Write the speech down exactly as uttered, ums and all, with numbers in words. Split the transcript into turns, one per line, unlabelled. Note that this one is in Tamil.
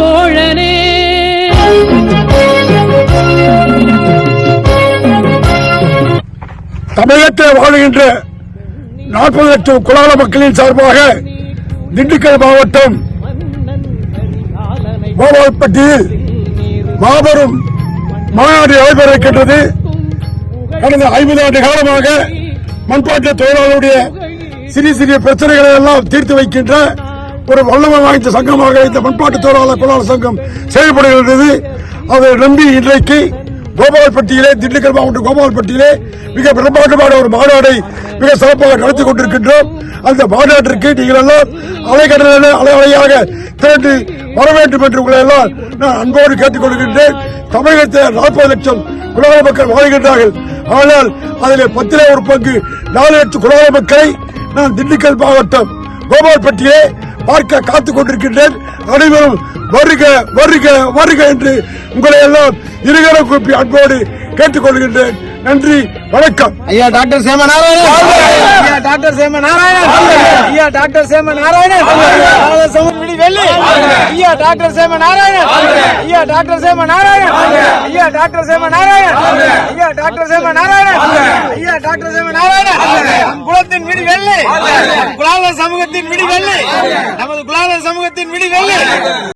தோழனே.
தமிழகத்தில் வாழுகின்ற நாற்பது லட்சம் குலால மக்களின் சார்பாக திண்டுக்கல் மாவட்டம் கோபால்பட்டியில் மாபெரும் மாநாடு நடைபெற இருக்கின்றது. கடந்த ஐம்பது ஆண்டு காலமாக மண்பாட்ட தொழிலாளருடைய சிறிய சிறிய பிரச்சனைகளை எல்லாம் தீர்த்து வைக்கின்ற ஒரு வல்லமை வாய்ந்த சங்கமாக இந்த மண்பாட்டு தொழிலாளர் குலால சங்கம் செயல்படுகின்றது. அதை நம்பி இன்றைக்கு கோபால்பட்டியிலே திண்டுக்கல் மாவட்டம் கோபால்பட்டியிலே மிக பிரம்மாண்டமான ஒரு மாநாடை மிக சிறப்பாக நடத்தி கொண்டிருக்கின்றோம். அந்த மாநாட்டிற்கு நீங்கள் எல்லாம் அலைக்கடலில் அலை அலையாக திரண்டு வர வேண்டும் என்று உங்களை எல்லாம் நான் அன்போடு கேட்டுக் கொள்கின்றேன். தமிழகத்தில் நாற்பது லட்சம் குலால மக்கள் வாழ்கின்றார்கள். ஆனால் அதில் பத்திலே ஒரு பங்கு நாலு லட்சம் குலால மக்களை நான் திண்டுக்கல் மாவட்டம் கோபால்பட்டியை பார்க்க காத்துக் கொண்டிருக்கின்றேன். அனைவரும் வருக வருக வருக என்று உங்களை எல்லாம் இருகரம் கூப்பி அன்போடு கேட்டுக் கொள்கின்றேன். நன்றி, வணக்கம்.
ஐயா டாக்டர் சேம நாராயணன், ஐயா டாக்டர் சேம நாராயணன், ஐயா டாக்டர் சேம நாராயணன், விடி வெள்ளி, ஐயா டாக்டர் சேம நாராயணன், ஐயா டாக்டர் சேம நாராயணன், ஐயா டாக்டர் சேம நாராயணன், ஐயா டாக்டர் சேம நாராயணன், ஐயா டாக்டர் சேம நாராயணன். நம் குலத்தின் விடி வெள்ளி, குலால சமூகத்தின் விடி வெள்ளி, நமது குலால சமூகத்தின் விடி வெள்ளி.